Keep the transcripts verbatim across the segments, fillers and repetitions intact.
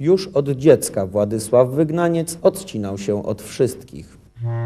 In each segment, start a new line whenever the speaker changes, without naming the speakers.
Już od dziecka Władysław Wygnaniec odcinał się od wszystkich.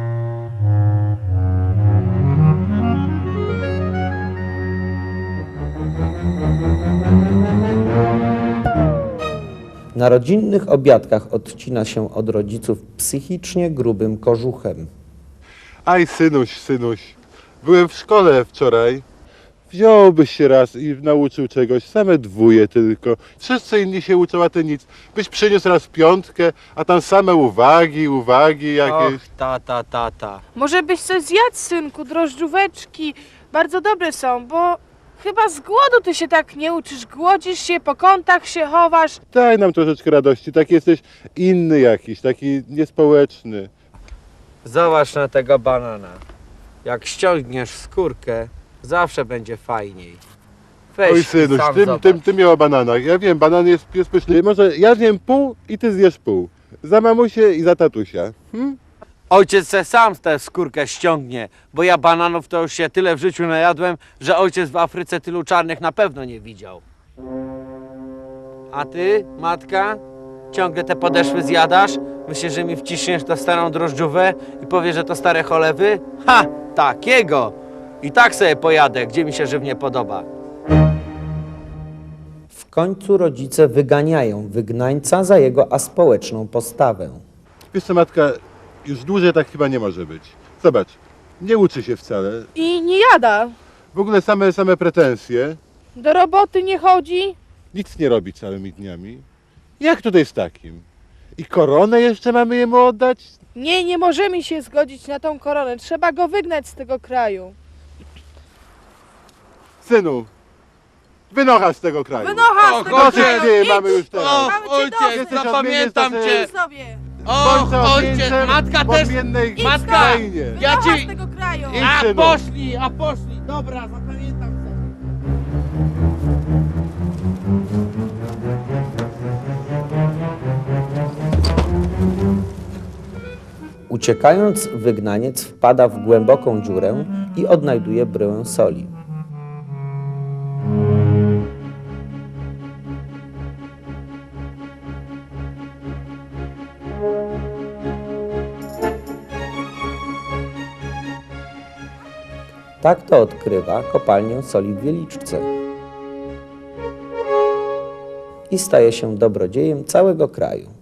Na rodzinnych obiadkach odcina się od rodziców psychicznie grubym kożuchem.
Aj, synuś, synuś, byłem w szkole wczoraj. Wziąłbyś się raz i nauczył czegoś, same dwóje tylko. Wszyscy inni się uczą, a ty nic. Byś przyniósł raz piątkę, a tam same uwagi, uwagi jakieś.
Och, tata, tata.
Może byś coś zjadł, synku, drożdżóweczki. Bardzo dobre są, bo chyba z głodu ty się tak nie uczysz. Głodzisz się, po kątach się chowasz.
Daj nam troszeczkę radości, taki jesteś inny jakiś, taki niespołeczny.
Zobacz na tego banana. Jak ściągniesz skórkę, zawsze będzie fajniej. Weź
Oj,
i
synuś,
sam
ty,
zobacz.
ty, ty miał o bananach. Ja wiem, banan jest, jest pyszny. Może ja zjem pół i ty zjesz pół. Za mamusię i za tatusia. Hm?
Ojciec se sam tę skórkę ściągnie, bo ja bananów to już się tyle w życiu najadłem, że ojciec w Afryce tylu czarnych na pewno nie widział. A ty, matka, ciągle te podeszwy zjadasz? Myślisz, że mi wciśniesz tę starą drożdżówę i powiesz, że to stare cholewy? Ha! Takiego! I tak sobie pojadę, gdzie mi się żywnie podoba.
W końcu rodzice wyganiają wygnańca za jego aspołeczną postawę.
Wiesz co, matka, już dłużej tak chyba nie może być. Zobacz, nie uczy się wcale.
I nie jada.
W ogóle same, same pretensje.
Do roboty nie chodzi.
Nic nie robi całymi dniami. Jak tutaj z takim? I koronę jeszcze mamy jemu oddać?
Nie, nie możemy się zgodzić na tą koronę. Trzeba go wygnać z tego kraju.
Synu, wynocha z tego kraju.
Wynocha z tego
Dosyć
kraju!
ty
Idź!
mamy już teraz.
Och,
cię
ojciec,
dosyć.
zapamiętam
Jesteś
cię!
odmienny
sobie!
Och,
Bądź
ojciec,
odmieńcem
matka
w
też!
odmiennej
Matka!
krainie.
Ja
Wynocha
ci-
z tego kraju!
Idź,
A
synu.
poszli, a poszli! Dobra, zapamiętam sobie.
Uciekając, wygnaniec wpada w głęboką dziurę i odnajduje bryłę soli. Tak to odkrywa kopalnię soli w Wieliczce i staje się dobrodziejem całego kraju.